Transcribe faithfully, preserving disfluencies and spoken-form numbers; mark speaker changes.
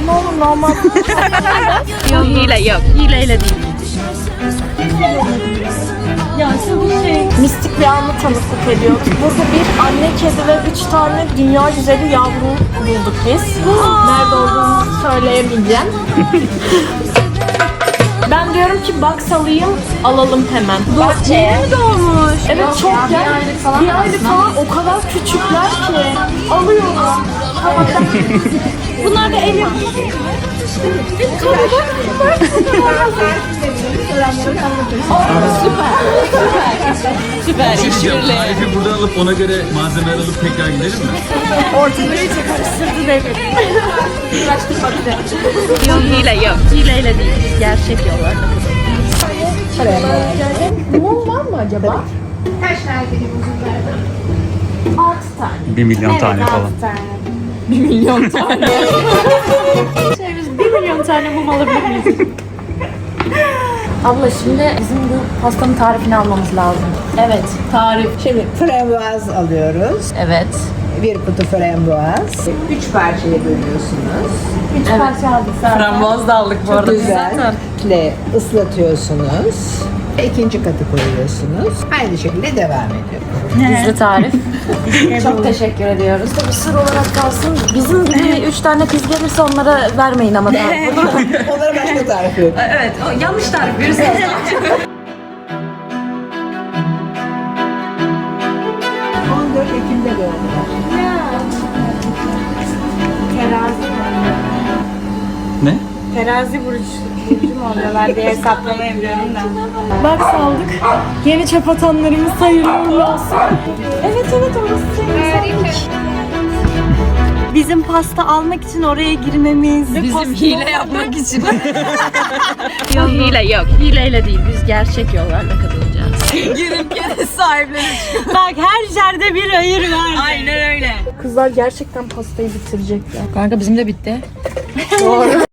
Speaker 1: Ne olur normal.
Speaker 2: Yok hile yok. Hileyle değil.
Speaker 1: Mistik bir anı tanıklık ediyorduk. Burada bir anne kedi ve üç tane dünya güzeli yavru bulduk biz. Nerede olduğunu söyleyemeyeceğim. Ben diyorum ki box alayım, alalım hemen.
Speaker 2: Bahçeye mi doğmuş?
Speaker 1: Evet çok ya. Bir aylık falan. Bir aylık falan o kadar küçükler ki. Alıyorum. Bunlar da el yapımı.
Speaker 2: Süper.
Speaker 3: Şey tarifi buradan alıp ona göre malzemeler alıp tekrar gidelim mi?
Speaker 1: Ortalığı iyice karıştırdı devir.
Speaker 2: Yok hile yok. Hileyle değil. Biz gerçek yollarla
Speaker 1: Mum var mı acaba? Kaç tane muzun verdi? Altı tane.
Speaker 4: Bir milyon tane falan.
Speaker 1: Bir milyon tane. şey biz bir milyon tane mum alabilir miyiz? Abla şimdi bizim bu pastanın tarifini almamız lazım. Evet, tarif.
Speaker 5: Şimdi frambuaz alıyoruz.
Speaker 2: Evet.
Speaker 5: Bir kutu frambuaz. Üç parçaya bölüyorsunuz.
Speaker 1: Üç parça aldık zaten.
Speaker 2: Frambuaz da aldık bu arada.
Speaker 5: Güzel. Ile ıslatıyorsunuz. İkinci katı koyuyorsunuz. Aynı şekilde devam ediyor.
Speaker 1: Gizli tarif. Çok teşekkür ediyoruz. Tabii sır olarak kalsın. Bizim gibi üç tane kız gelirse onlara vermeyin ama daha.
Speaker 5: Onlara başka tarif yok.
Speaker 2: Evet. O yanlış tarif verirseniz.
Speaker 5: on dört Ekim'de doğdular.
Speaker 1: Terazi
Speaker 4: Ne?
Speaker 1: Terazi burcu burcu mu oluyorlar diye hesaplama yapıyorum da. Bak saldık. Yeni çöp atanlarımız hayırlı uğurlu olsun. Evet evet orası senin. Bizim pasta almak için oraya girmemiz.
Speaker 2: Bizim hile yapmak için. Yok hile yok. Hileyle değil. Biz gerçek yollarla kazanacağız. Girip gene sahiplenir.
Speaker 1: Bak her yerde bir hayır var.
Speaker 2: Aynen öyle.
Speaker 1: Kızlar gerçekten pastayı bitirecekler.
Speaker 2: Kanka bizim de bitti.
Speaker 1: Doğru.